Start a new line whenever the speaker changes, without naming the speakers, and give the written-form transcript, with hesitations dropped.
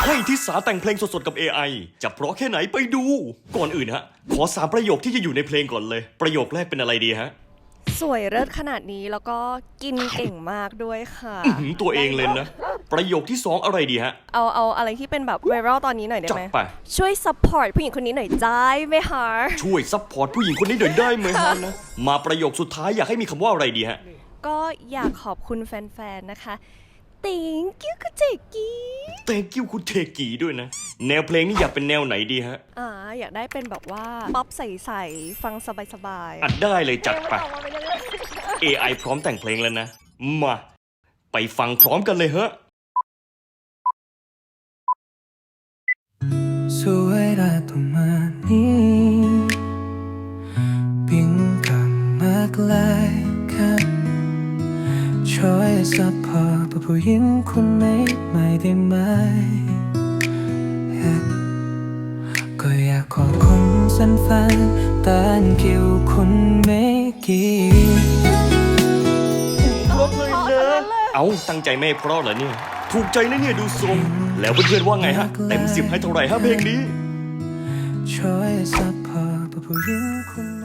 ให้ทิสาแต่งเพลงสดๆกับ AI จะเพราะแค่ไหนไปดู ก่อนอื่นฮะ ขอ3ประโยคที่จะอยู่ในเพลงก่อนเลย ประโยคแรกเป็นอะไรดีฮะ
สวยเลิศขนาดนี้แล้วก็กินเก่งมากด้วยค่ะ
ตัวเองเลยนะ ประโยคที่ 2 อะไรดีฮะ
เอาอะไรที่เป็นแบบไวรัลตอนนี้หน่อยได้
จัด
ไหม
ไป
ช่วยซัพพอร์ตผู้หญิงคนนี้หน่อยได้ไหมคะ
ช่วยซัพพอร์ตผู้หญิงคนนี้หน่อยได้ไหมฮะนะ มาประโยคสุดท้ายอยากให้มีคำว่าอะไรดีฮะ
ก็อยากขอบคุณแฟนๆนะคะThank you คุณเจกี้
Thank you คุณเทกีด้วยนะ แนวเพลงนี้อยากเป็นแนวไหนดีฮะ
อยากได้เป็นแบบว่าป๊อปใสๆฟังสบายๆ
อัดได้เลยจัดไป
ออกมาเป็นเรื่อง
AI พร้อมแต่งเพลงแล้วนะ มา ไปฟังพร้อมกันเลยฮะ
สวยได้ต้องมานี้เพียงกลับมาไกลกันช่วยซัพพอร์ตผู้หญิงคนนี้ไม่ได้ไหม ก็อยากขอบคุณแฟนๆแต่เกี่ยวคุณไม่กี่
เอาตั้งใจไม่เพราะเหรอเนี่ย ถูกใจนะเนี่ยดูทรง แล้วเพื่อนๆว่าไงฮะ เต็ม10ให้เท่าไหร่ฮะเพลงนี้
ช่วยซัพพอร์ตผู้หญิงคนนี้